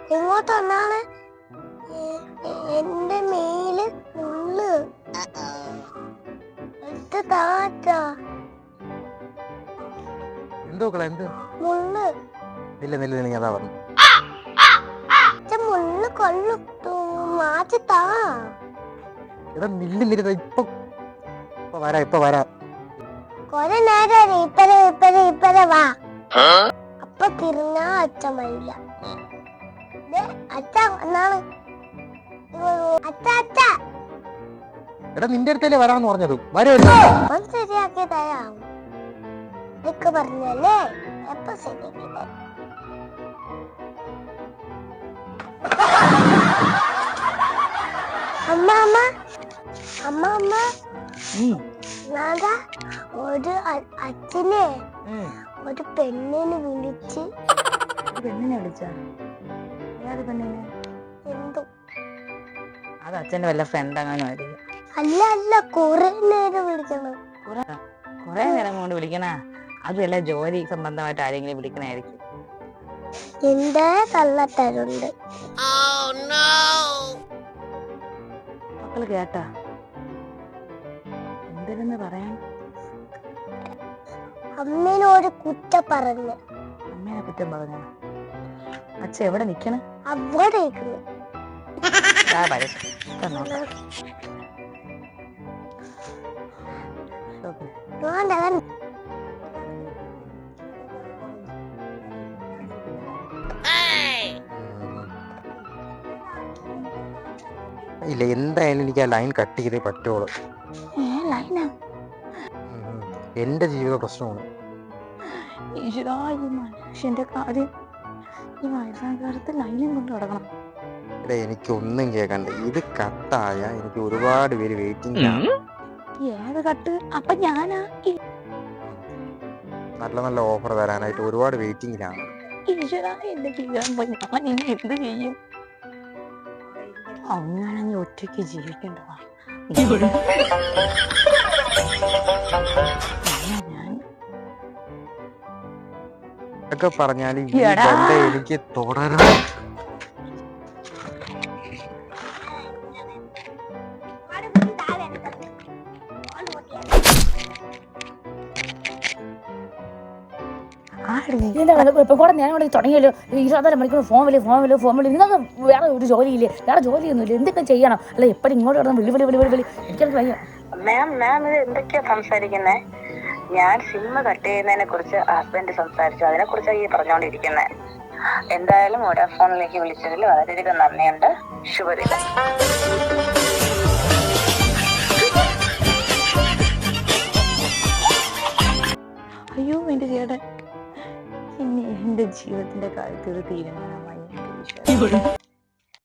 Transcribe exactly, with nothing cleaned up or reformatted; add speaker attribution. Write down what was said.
Speaker 1: ഇങ്ങോട്ട് വന്നാണ് എന്റെ മേല് മുള്ള് എടുത്ത് താറ്റ
Speaker 2: എന്തോ എന്ത്
Speaker 1: മുള്ള്
Speaker 2: ഇല്ല നില്ല നീ അതാ പറഞ്ഞു
Speaker 1: മുള്ള് കൊള്ളു മാറ്റി താ.
Speaker 2: എടാ നില്ല് നിരുന്ന ഇപ്പൊ ഇപ്പൊ വരാ ഇപ്പൊ വരാ
Speaker 1: കൊറേ നേരം ഇപ്പരെ ഇപ്പരെ ഇപ്പരെ വാ. അപ്പൊ തിരിഞ്ഞാ അച്ഛൻ വരില്ല. അച്ഛ എന്നാണ് അച്ഛ അച്ഛ
Speaker 2: എടാ നിന്റെ അടുത്തല്ലേ വരാന്ന് പറഞ്ഞത് വരുമല്ലോ
Speaker 1: ശരിയാക്കി തരാം. ഇതൊക്കെ പറഞ്ഞല്ലേ എപ്പൊ ശരിയാക്കി തരാം. അമ്മ അമ്മ അമ്മ അമ്മ ഞാനാ ഒരു അച്ഛനെ ഒരു പെണ്ണിനെ വിളിച്ച്
Speaker 3: പെണ്ണിനെ വിളിച്ച ഏത് പെണ്ണിനെ?
Speaker 1: എന്തോ
Speaker 3: അത് അച്ഛന്റെ വല്ല ഫ്രണ്ട് അങ്ങനെ ആയിരിക്കും.
Speaker 1: അല്ല അല്ല കൊറേ നേരം വിളിക്കണം.
Speaker 3: കൊറേ നേരം കൊണ്ട് വിളിക്കണ അത് വല്ല ജോലി സംബന്ധമായിട്ട് ആരെങ്കിലും വിളിക്കണായിരിക്കും.
Speaker 1: എന്റെ കള്ളത്തരുണ്ട്.
Speaker 3: മക്കള് കേട്ടാ എന്തിനെന്ന് പറയാൻ?
Speaker 1: അമ്മേനോട് കുറ്റ പറഞ്ഞു.
Speaker 3: അമ്മേനെ കുറ്റം പറഞ്ഞ അച്ഛ എവിടെ നിക്കണ?
Speaker 1: അവിടെ
Speaker 2: ഇല്ല എന്തായാലും എനിക്ക് ആ ലൈൻ കട്ട് ചെയ്തേ പറ്റുള്ളൂ. എന്റെ ജീവിത പ്രശ്നമാണ്.
Speaker 3: മനുഷ്യന്റെ കാര്യം ഈ വയസ്സാം കാലത്ത് ലൈനും കൊണ്ട് കിടക്കണം.
Speaker 2: എടാ എനിക്കൊന്നും കേൾക്കണ്ട. ഇത് കട്ടായ എനിക്ക് ഒരുപാട് പേര് വെയിറ്റിംഗ് ആണ്.
Speaker 3: ഏത് കട്ട്? അപ്പൊ ഞാനാ
Speaker 2: നല്ല നല്ല ഓഫർ തരാനായിട്ട് ഒരുപാട് വെയിറ്റിംഗിലാണ്.
Speaker 3: ഈശ്വരാ എന്റെ ജീവിതം ഞാൻ ഇനി എന്ത് ചെയ്യും? അങ്ങനെങ്കിൽ ഒറ്റയ്ക്ക് ജീവിക്കേണ്ടതാ.
Speaker 2: ഒക്കെ പറഞ്ഞാല് ഈ ബന്ധം എനിക്ക് തുടരണം.
Speaker 4: കൂടെ ഞാൻ തുടങ്ങിയല്ലോ ഇരുപത്തിനാല് മണിക്കൂർ ഫോൺ വിളി ഫോൺ വിളി ഫോൺ വിളി. നിങ്ങൾക്ക് വേറെ ഒരു ജോലിയില്ലേ? വേറെ ജോലിയൊന്നുമില്ല. എന്തൊക്കെ ചെയ്യണം? അല്ല എപ്പോഴും ഇങ്ങോട്ട് കിടന്ന് വിളി വിളി വിളി വിളി വിളി എനിക്കത് വയ്യ.
Speaker 3: മാം മാം ഇത് എന്തൊക്കെയാ സംസാരിക്കുന്നേ? ഞാൻ സിം കട്ട് ചെയ്യുന്നതിനെ കുറിച്ച് ഹസ്ബൻഡ് സംസാരിച്ചു. അതിനെ കുറിച്ചാണ് ഈ പറഞ്ഞുകൊണ്ടിരിക്കുന്നത്. എന്തായാലും വോഡാഫോണിലേക്ക് വിളിച്ചതിൽ വളരെയധികം നന്ദിയുണ്ട്. ശുഭദിനം. അയ്യോ എന്റെ ചേട്ടൻ ഇനി എന്റെ ജീവിതത്തിന്റെ കാര്യത്തിൽ ഒരു തീരുമാനമായി.